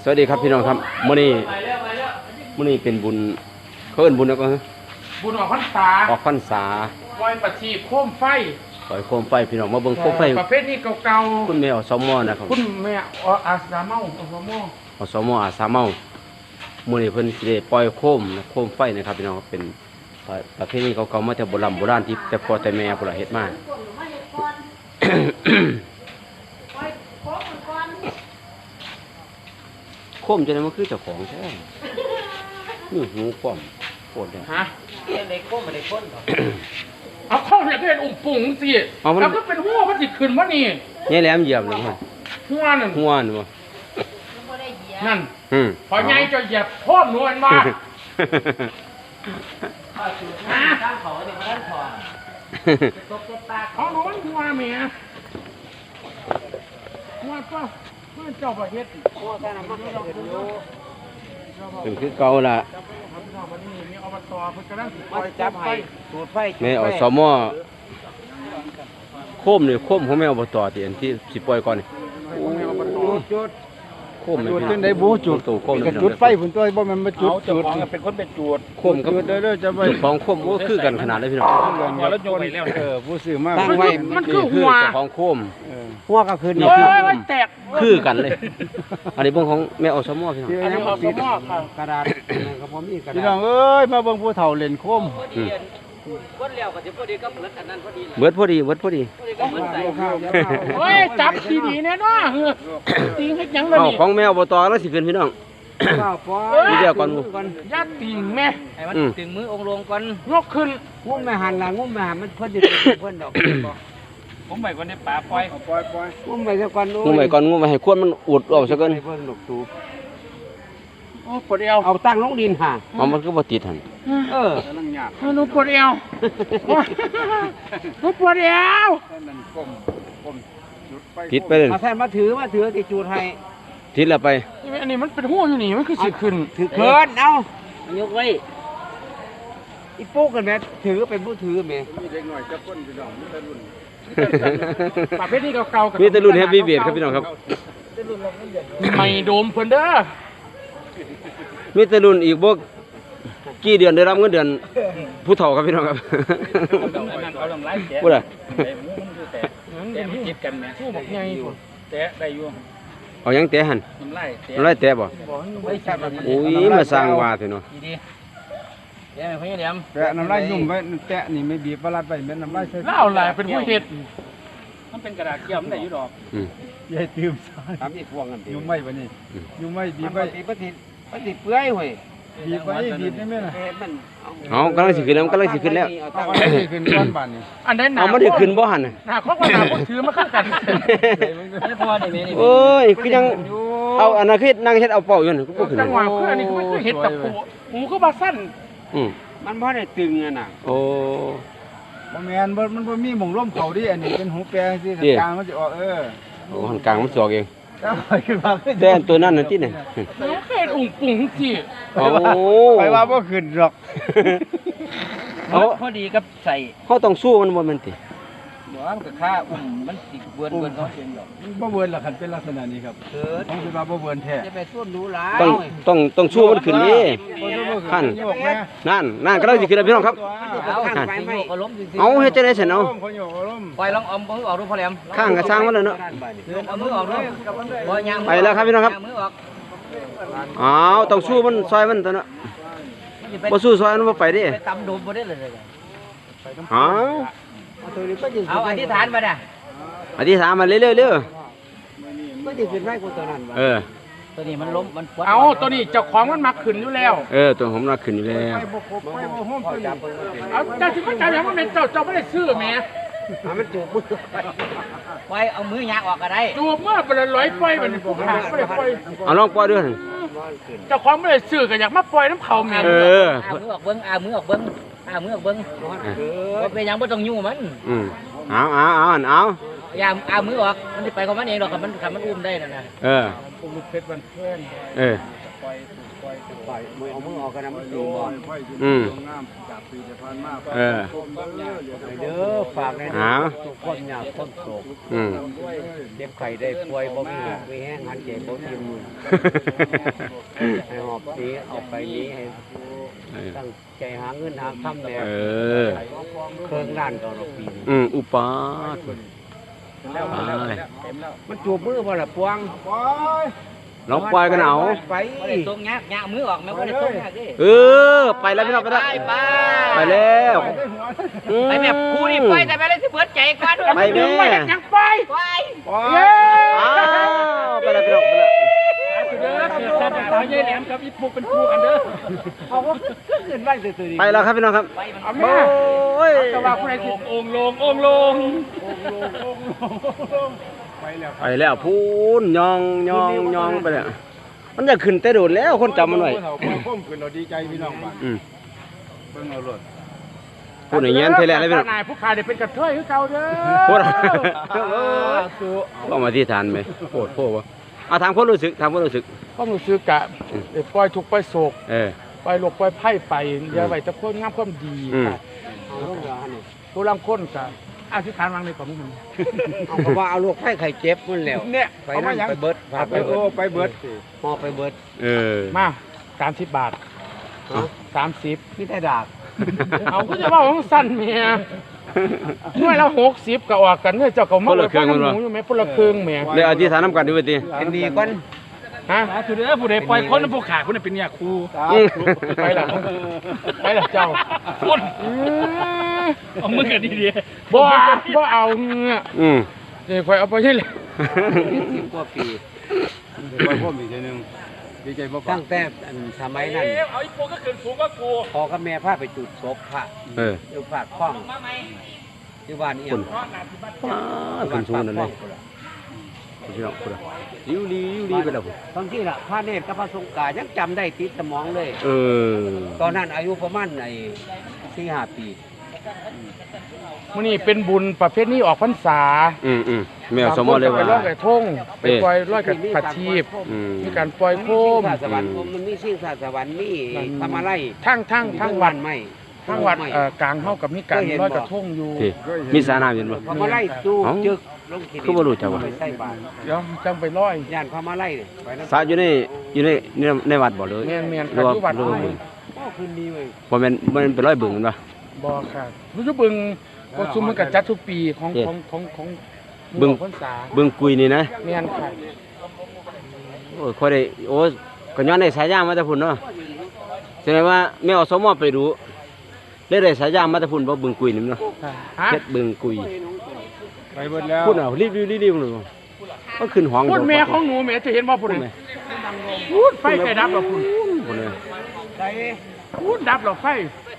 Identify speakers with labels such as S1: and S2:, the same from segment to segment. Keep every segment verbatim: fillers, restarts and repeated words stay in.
S1: วัสดีครับพี่น้องครับมื้อนี้มื้อนี้เป็นบุญเขาเอิ้นบุญแล้วก็
S2: บุญออกพรรษา
S1: ออกพรรษา
S2: ปล่อยประทีปโคมไฟ
S1: ปล่อยโคมไฟพี่น้องมาเบิ่งโคมไฟ
S2: ประเภทนี้เก่า
S1: ๆคุณแม่อสมนะครับ
S2: คุณแม่อาสาเมาอสม
S1: อสมอาสาเมามื้อนี้เพิ่นสิได้ปล่อยโคมโคมไฟนะครับพี่น้องเป็นประเภทนี้เก่าๆมาแต่โบราณโบราณที่แต่พ่อแต่แม่พุ่นล่ะเฮ็ดมาโคมจะได้มันคือเจ้าของแท้นี่หูป้อมโคตรเลย
S2: ฮะ
S3: เด็กโค้งมาเด็กคน
S2: เอาเข้าเนี่ยก็เห็นอุ่มปุ่งสิแล้วก็เป็นหัวมันจิขึ้นวะนี่
S1: นี่แหลมเหยียบเลยฮะ
S2: หัวนั่น
S1: หัวนี่บ่
S2: นั่นพอไงจะเหยียบพ่อหนวลมา
S3: ตั้งเขาเด็กตั้งเขาตกตา
S2: เขาหนวลหัวเมียหัวก็หัวเจ้าประเทศ
S3: หัวกันนะมันไม่ต้องดู
S1: เป็นคือเก่าละ
S3: จับไฟสูดไฟ
S1: แม่อสมโคมนี่โคมของแม่อบตที่อันที่สิปล่อยก่อนนี่
S3: จุด
S1: โคมนี่
S4: จุดจังได๋บ่จุด
S1: โคม
S4: นี่จุดไฟพุ่นตัวบ่แม่นมาจุดจุด
S3: เป็นคนเป็นจุด
S1: โคมกับ
S4: เด้อจะไป
S1: ของโคมก็คือกันขนาดเลยพี่น้อง
S4: แล้วโยนไปแล้วเออผู้ซื้อมา
S2: ตั้งไว้มันคือหัว
S1: ของโคม
S4: หัวก็คือ
S2: นี่คือแตก
S1: คือกันเลยอันนี้เบิ่งของแม่อสมพี่น้อง
S2: อันนี้อสมค่ะ
S4: กระดาษก็บ่มีกระดาษพี่น้องเอ้ยมาเบิ่งผู้เฒ่าเล่นโคม
S3: เบิดแล้วก็สิพอดีกับเบิดอันนั้นพอดี
S1: เบิดพอดีเบิดพอดี
S2: โอ้ยจับดีๆแน่เนาะติงเฮ็ดหยังล่ะนี่
S1: ของแม่อบตแล้วสิขึ้นพี่น้อง
S2: นี่
S1: เดียวก่อน
S2: ยัดติงแม่
S3: ให้มันถึงมือองค์ลงก่อน
S2: ยกขึ้น
S4: งุ้มแม่หันล่ะงุ้มแม่หันมันเพิ่นสิเพิ่นดอก
S3: ผมไปก่อนได้ป่าปล่อย
S4: ปล่อยปล่อยงุ้มไปซะก่อน
S1: งุ้มไปก่อนงุ้มไปให้ควนมันอุดออกซะก่อน
S4: เพิ่นดอกตู
S2: โอ้ปวดเอว
S4: เอาตั้งลงดินห่า
S1: เอามันก็บ่ติดหั่น
S4: เออกํลังยาก
S2: หนูปวดเอวหนูปวดเอว
S4: นั่นก้มก้มจุดไฟ
S1: ติดไปเลย
S4: มาแทนมาถือมาถือที่จุดให้
S1: ติดแล้วไป
S2: อันนี้มันเป็นหัวอยู่นี่มันคือสิขึ้น
S4: ถือเคินเอา
S3: ยกไว้
S4: อีปุ๊กกันแม่ถือเป็นผู้ถือแม่มีเด็กหน่อยจักคนพี่น้องมีแต่รุ่น
S2: ประเภทนี้เก่าๆ
S1: มีแต่รุ่นเฮฟวี่เบียดครับพี่น้องครับ
S2: ไม่โดมเพิ่นเด้อ
S1: มีแต่รุ่นอีกบ่กี่เดือนได้รับเงินเดือนผู้เฒ่าครับพี่น้องครับพูดอ่ะ
S3: แต่มันจิตกันแม่
S2: ผู้บักใหญ่พุ่น
S3: แตะได้อยู่
S1: เอายังแตะหั่น
S3: น้ำลายแตะ
S1: น้ำลายแตะบ่โอ้ยมาสร้างว่าเถอะเนาะ
S3: ดีๆแตะไม่ค่อยเดียม
S4: แตะน้ำลายยุ่งไว้แตะนี่ไม่บีบปลัดไว้แม่น้ำลายใส่
S2: เล่าหลายเป็นผู้เฮ็ด
S3: มันเป็นกระดาษเกี่ยวมันได้อยู่ดอก
S1: อืม
S4: ยายตื่มซอย
S3: ทำอีกพวงกัน
S4: ยุ่งไว้บัดนี้ยุ่งไว้บีบไว้
S3: ปฏิปฏิเปื่อยเว้ย
S4: บีบไว้บีบได้มั้ยล่ะ
S1: เอากำลังสิขึ้นแล้วกำลังสิขึ้นแล้ว
S4: เอาสิขึ้นก้อนบาดนี้
S2: อันใดหนา
S1: เอาบ่ได้ขึ้นบ่หั่นน่ะ
S2: หน้าของว่าหน้าบ่ถือมาคือกัน
S3: อันนี้พอได้แม่นี่
S1: โอ้ยคือยังเอาอันนั้นคือนั่งเฮ็ดเอาเป่าอยู่นั่นก็บ่ขึ้น
S2: จังหวะคืออันนี้คือเฮ็ดตะปูหูคือบ่สั้น
S1: อืม
S4: มันบ่ได้ตึงอ่ะน่ะ
S1: โอ้
S4: บ่แม่นบ่มันบ่มีหม่องร่มเขาดิอันนี้เป็นหูแปรจังซี่กลางมันสิออกเออ
S1: โอ้หันกลางมันสิออกเอง
S4: แต่
S1: ตัวนั้นน่ะติน่ะ
S2: น้องเคยอุ่งปุ่งสิ
S1: โอ้
S4: ไปว่าบ่ขึ้นหรอก
S3: เอาพอดีกับใส่
S1: เฮาต้องสู้มันบ่แม่นติ
S3: บ่มันก็ค่าอุ้มมันสิเบิ่นเบิ่นเนาะเองดอก
S4: บ่เบิ่นล่ะคันเป็นลักษณะนี้ครับเออต้องสิว่าบ่เบิ่นแท้
S3: จะไปส่วนรู้หลาย
S1: ต้องต้องต้องสู้มันขึ้นนี่คั่นนั่นนั่นก็ได้สิขึ้นแล้วพี่น้องครับเอาเฮ็ดจังได๋ซั่นเอา
S3: ปล่อยลองเอามือออกดูพอแหลม
S1: ข้างก็สร้างมันแล้วเนาะ
S3: เอามือออกดูบ่ยาง
S1: ไปแล้วครับพี่น้องครับอ้าวต้องสู้มันซอยมันตัวเนาะบ่สู้ซอยมันบ่ไปดิ
S3: ไปตำโดมบ่ได้เลย
S1: อ้าว
S3: เอาอธิษฐานมาน่ะ
S1: อธิษฐานมาเร็วๆเร็ว
S4: บ่ได้ขึ้นไว้กูตัวนั้น
S1: เออ
S3: ตัวนี้มันล้มมันปวด
S2: เอาตัวนี้เจ้าของมันมาขึ้นอยู่แล้ว
S1: เออตัวผมมาขึ้นอยู่แล้ว
S2: เอาเจ้าสิมาจับอย่างมันเป็นเจ้าเจ้าบ่ได้ซื้อแหม
S4: มันจูบมือ
S3: ปล่อยเอามือยางออกก็ได้
S2: จูบเมื่อบ่ได้ร้อยปล่อยมันผู้ขาบ่ได้ปล่อย
S1: เอาลองปล่อยด้วย
S2: เจ้าของบ่ได้ซื้อก็อยากมาปล่อยน้ำเขาแม่
S1: เออ
S3: เอามือออกเบิ่งเอามือออกเบิ่งเอามือออกเบิ่งบ่เป็นหยังบ่ต้องยุ่งมัน
S1: อืมเอาเอาเอาเอา
S3: อย่าเอามือออกมันสิไปของมันเองดอกคันมันคันมันอุ้มได้นั่นน่ะ
S1: เออ
S2: อุ้มลูกเพชรมันเพื่อน
S1: เออ
S4: ไปมือเอามือออกกันนะมันดีบ่
S1: อืมเออ
S4: เด้อฝากใน
S1: หา
S4: ทุกคนอยากคนโศก
S1: อืม
S4: เจ็บไข้ได้ป่วยบ่มีหอกมีแห้งหันเจ็บบ่มีมือให้หอบนี้เอาไปนี้ให้ตั้งใจหาเงินหาคำเนี่ย
S1: เออ
S4: เครื่องล้านต่อละปีนี่
S1: อืมอุปาทไป
S4: มันจูบมือบ่ล่ะปวง
S1: ลองปล่อยกันเอา
S4: ไป
S3: บ่ได้ตรงงักงักมือออกแม่บ่ได้ตรงงักเด้
S1: เออ ไปแล้วพี่น้องไปแล้ว
S3: ไป
S1: ไปแล้วอื
S3: ไปแม่ครูนี่ไปแต่แม่เลยสิเบิดใจก่อน
S1: ไปแม่
S2: ไปยังไป
S3: ไป
S2: เย้
S1: อ้าวไปแล้วพี่น้องไปแล้ว
S2: เด้อเกิดสัตว์ตายายแหลมกับอีปุกเป็นคู่กันเด้อ
S4: เอาก็ขึ้นไว้ซื่อๆนี่
S1: ไปแล้วครับพี่น้องครับ
S2: เอา
S1: โอ้
S2: แม่
S1: ย
S2: ก็ว่าผู้ใดสิองค์ลงองค์ลง
S1: ไปแล้วพูนยองยองยองไปแล้วมันจะขึ้นแต่โดดแล้วคนจำมันไว้
S4: พุ่มขึ้นเราดีใจพี่น้องบ้าน
S1: อืม
S4: เบิ่งเอารถ
S1: พูดอย่างเงี้ยเทแลนเลยพี่น้อง
S2: นายผู้ขายได้เป็นกระเทยคือเก่าเด้อ
S1: พูดก็มาที่ฐานไหมโคตรโคตรวะเอาถามคนรู้สึกถามคนรู้สึก
S2: ความรู้สึกกะได้ปล่อยทุกข์ปล่อยโศก
S1: เออ
S2: ปล่อยโลกปล่อยไพ่ไปอย่าไว้แต่คนงามความดี
S1: อืม
S2: ค่ะ
S4: เอาลงเรือหั่นนี่
S2: ผู้ลางคนกะอธิษฐานวางในความมึง
S4: เอาก็ว่าเอาลูกไผ่ไข่เจ็บมันแล้ว
S2: เนี่ย
S4: ไป
S2: เอามา
S4: นั่น
S2: ยัง
S4: ไปเบิดพาไปเบิดไปเบิดหอไปเบิด
S1: เออ
S2: มาสามสิบบาทสามสิบ
S4: นี่แต่ดาก
S2: เอาก็จะว่าของสั้นเมียหน่วยละหกสิบก็ออกกันเนี่ยเจ้าก็มาเลยฟังหมูอยู่ไหมพลเครื่องเมีย
S1: เลยอธิษฐานน้ำกันดูไปที
S4: เป็นดีก่อน
S2: ฮะคือเด้อผู้ใดปล่อยคนผู้ขาคุณเป็นเนี่ยครู
S1: อืม
S2: ไปหลังไปหลังเจ้าคนเอามือกันดีดีบ่บ่เอาเงี้ย
S1: อืม
S2: เดี๋ยวคอยเอาไปใช่เลย
S4: สิบกว่าปี
S5: ไปพ่อมอีกทีหนึงดีใจบ่
S4: ตั้งแต่อันสมัยนั้น
S2: เอาอีโปก็ขึ้นสูงก็กู
S4: พอกับแม่พาไปจุดศพพระ
S1: เออ
S4: อยู่ฝากคล้องที่บ้านนี่
S1: คุณป้าขึ้นสูงนั่นเลยพี่น้องคุณยิ้วดียิ้วดีไปแล้วพุ่น
S4: ตอนที่ละพระเนตรกับพระสงฆ์กายังจำได้ติดสมองเลย
S1: เออ
S4: ตอนนั้นอายุประมาณไอ้สี่ห้าปี
S2: มื้อนี้เป็นบุญประเภทนี้ออกพรรษา
S1: อืมอืมแมวสมอเลย
S2: ไป
S1: ว่า
S2: ร้อยกระทงไปปล่อยร้อยกระผัดชีพ
S1: อืม
S2: มีการปล่อยโคม
S4: ศาสวรรค์มันมีสิ่งศาสวรรค์มีทำอะไร
S2: ทั้งทั้งทั้งวัด
S4: ไม่
S2: ทั้งวัดเอ่อกลางเฮากับมีการร้อยกระทงอยู่
S1: ที่มีสานาเห็นบ่
S4: ทำอะไรจู
S1: เอ้า
S4: จึกลงขี
S1: คือบ่รู้จักวะ
S4: ไปใส่บาตร
S2: เดี๋ยวจังไปร้อย
S4: ย่านพม่าไล่เนี่ยไปนั่น
S1: สาอยู่ในอยู่ในในในวัดบ่เลย
S2: แม่นแม่น
S1: หรือว่า
S2: ปัจจุบัน
S1: หรือว่าบึง
S4: โอ้คืนดีเว้ย
S1: บ่แม่นบ่แม่นเป็นร้อยบึงแม่นบ่
S2: บ่ค่ะรู้สึกบึงก็ซุมมันก็จัดทุกปีของ
S1: เฮ็ด
S2: ของของของ
S1: บึง
S2: พรรษา
S1: บึงกุยนี่นะ
S2: แม่นค่ะ
S1: โอ้ยค่อยได้โอ้ยก็ย้อนได้สายยางมาแต่พุ่นเนาะแสดงว่าแม่อสมไปดูเลยได้สายยางมาแต่พุ่นบ่บึงกุยนี่เนาะ
S2: ค่ะฮะ
S1: เฮ็ดบึงกุย
S5: ไปเบิดแล้ว
S1: พุ่นเอารีบๆรีบๆเลยก็ขึ้นห้อง
S2: พูดแม่ของหนูแม่จะเห็นว่าพูด
S1: พุ่น
S2: เลย
S1: แม่
S2: พูดไฟไฟดับหรอพูด
S1: พุ่นเลย
S2: พูดดับหรอไฟ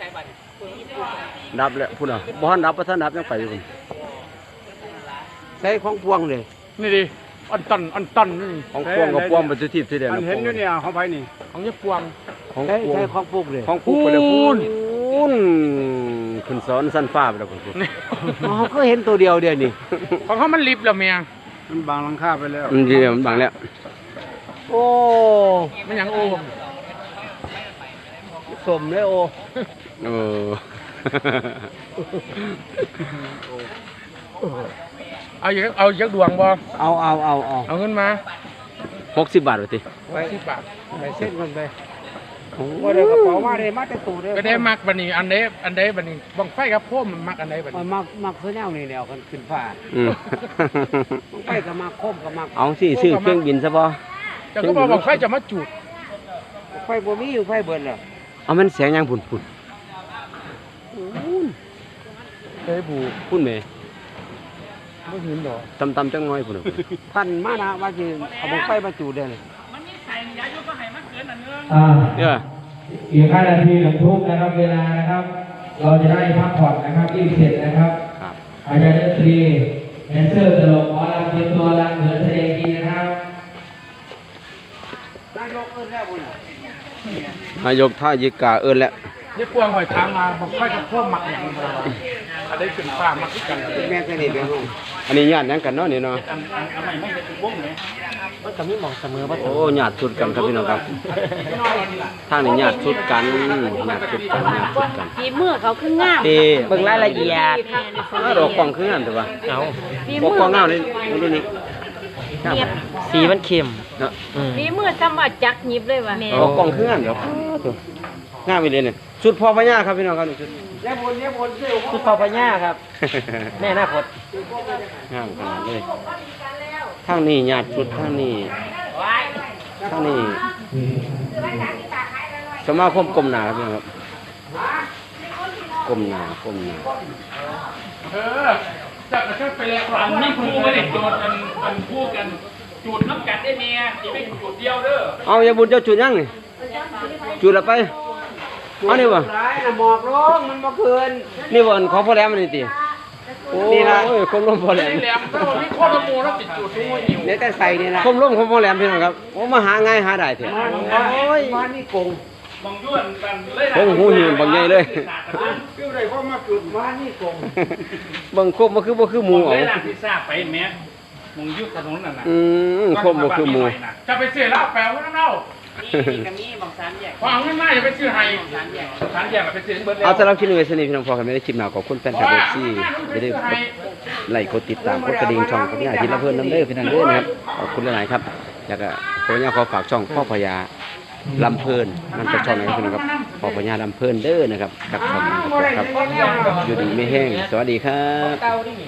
S1: ดับแล้วพุ่นเอาบ่ทันดับบ่ทันดับยังไปอยู่พุ่น
S4: ใส่ของพวงเลย
S2: นี่ดิอันตันอันตันนี่
S1: ของพวงกับพวงบ่สิทิพย์สิเด่น
S5: อันเห็นอยู่เนี่ยเขาไปนี่
S2: ของยายปวง
S1: ของ
S4: ใส่
S1: พวง
S4: ใส่ของปลูกเลย
S1: ของปุ๊บไปเลยพุ่นขึ้นสอนสั้นฟ้าไปแล้วพุ่น
S2: นี่
S4: อ๋อก็เห็นตัวเดียวเดียวนี่
S2: ของเขามันลิบแล้วแม่
S5: มันบางหลังคาไปแล้ว
S1: มันเดียวมันบังแล้ว
S4: โอ้
S2: มันหยังโอ้
S4: สมเลยโอ
S1: เออ
S2: เอาอย่างเอายักดวงบ่
S4: เอาเอาเอาเอา
S2: เอาเงินมา
S1: หกสิบบาทว่าติ
S4: ไป
S2: สิบบาท
S4: ไปเส้นกันไปว่าเดี๋ยวกระเป๋ามาเลยมาแต่ตู้เด้อ
S2: ก็ได้มักบัดนี้อันใดอันใดบัดนี้บังไฟกับโพมมันมักอันใดบัด
S4: มั
S2: นี้
S4: นมักมักเสื้อแนวนี่แนวกันขึ้นฟ้า
S1: อืม
S4: ต้องไปกับมักคมกับมัก
S1: เอาสิซื้อเครื่องบินซะบ่
S2: เจ้าก็บอกบังไฟจะมาจุด
S4: ไฟบ่มีอยู่ไฟเบิดแล้ว
S1: เอามันแสงยังพุ่นพุ่น
S2: เฮ้ยบู
S1: พุ่นแม่
S2: บ่เห็นดอก
S1: ตำๆจังน้อยพุ่นน่ะพุ่น
S4: พันมานะว่าสิเอาบ่ไฟมาจูดเด้อ
S6: อ่า
S1: เด้อ
S6: อีกห้านาทีหนึ่งทุ่มนะครับเวลานะครับ เราจะได้พักผ่อนนะครับรีบเสร็จนะครับ
S1: ครับ
S6: อาจารย์ดนตรีแดนเซอร์ตลกหมอลำเตรียมตัวรำเหนือแสดงกินนะครับ
S4: นายกเอิ้นแล้วพุ่นน่ะ
S1: นายกท่ายิกาเอิ้นแล้ว
S2: ยายปวงหอยทางมาบังไฟกับโพมมักหยังบ่ล่ะอันใดขึ้นฟ้ามักคือกัน
S4: เป็นแม่สนิทเด้อ
S1: อันนี้ญาติหยังกันเนาะนี่เนาะ
S2: อันอันอันใหม่ไม่เป็นวงไหน
S4: เอ
S3: มันก็มีหม่องเสมอบ่
S1: โอ้ญาติสุดกันครับพี่น้องครับทางนี้ญาติสุดกันญาติสุดกันญาติสุดกัน
S7: ฝีมือเขาคืองาม
S1: เต้
S3: เบิ่งรายละเอียด
S1: อ้าวดอกกล่องคืองามแต่ว่า
S3: เอา
S7: ฝี
S1: ก
S7: มื
S1: กล่องงามนี่รุ่นนี้งาม
S7: เนียบ
S3: สีมันเข้ม
S1: เนาะ
S3: อืม
S7: ฝีมือทำมาจักหยิบเลยว่ะ
S1: ดอกกล่องคืองามเดี๋ยวงามอีเลยเนี่ยสุดพอพญาครับพี่น้องครับนี่สุด
S3: คือพ่อพญาครับ แม่นาคต
S1: งามขนาดเลยทางนี้ญาติสุดทางนี้ทางนี้สมาคมกรมนาครับพี่น้องครับกรมนากรมนา
S2: เออจับกระชับไปแล้วอันนี้ครูไม่ได้โจทย์กันอันคู่กันจูดน้ำกัดได้เมียที่ไม่จูดเดียวเด้อ
S1: เอาอย่าบุญเจ้าจุดยังนี่จุดละไปเอานี่บ่
S4: ร้ายน่ะหมอกลงมันบ่คืน
S1: นี่บ่อันของพ่อแหลมนี่ติโอ้นี่ละโอ้ยคมลมพ่อแหลม
S2: นี่แหลมถ้ามันมีข้อละมูแล้วติดจูดทุกวันอยู่
S4: เดี๋ยวแต่ใส่นี่ล่ะ
S1: คมลมของพ่อแหลมพี่น้องครับโอ้มาหาง่ายหาได้เถอะ
S4: โอ้ยมานี่กง
S2: บางย้วนกันเลย
S1: โอ้โหหิวบางใหญ่เลย
S5: คือได้พ่อมาจุด
S4: มานี่กง
S1: เบิ่งคมบ่คือบ่คือหมู
S2: เล
S1: เอา
S2: ยร้านพิซซ่าไปแม่มึงยุดถนนนั่นน่ะ
S1: อืมคมบ่คือหมู
S2: จะไปซื้อเหล้าแปลว่าเน่า
S3: ก็มีบางสามแยก
S2: พอเอาเงินมาอย่าไปซื้อให้สารแยกสารแยกไปซื้อเบิดแล้ว
S1: เอาสำหรับคลิปนี้ไว้สนิทพี่น้องพอกันไม่ได้คลิปหน้าขอบคุณแฟนคลับ เอฟ ซี อย่าลืมกดไลค์กดติดตามกดกระดิ่งช่องกับพี่อาทิตย์ละเพิ่นน้ำเด้อพี่น้องเด้อนะครับขอบคุณหลายๆครับแล้วก็ผมอยากขอฝากช่องพ่อพญาลำเพลินมันเป็นช่องไหนครับพี่น้องครับพ่อพญาลำเพลินเด้อนะครับกับช่องนี้ครับอยู่ดีไม่แห้งสวัสดีครับ
S3: เก่าดิ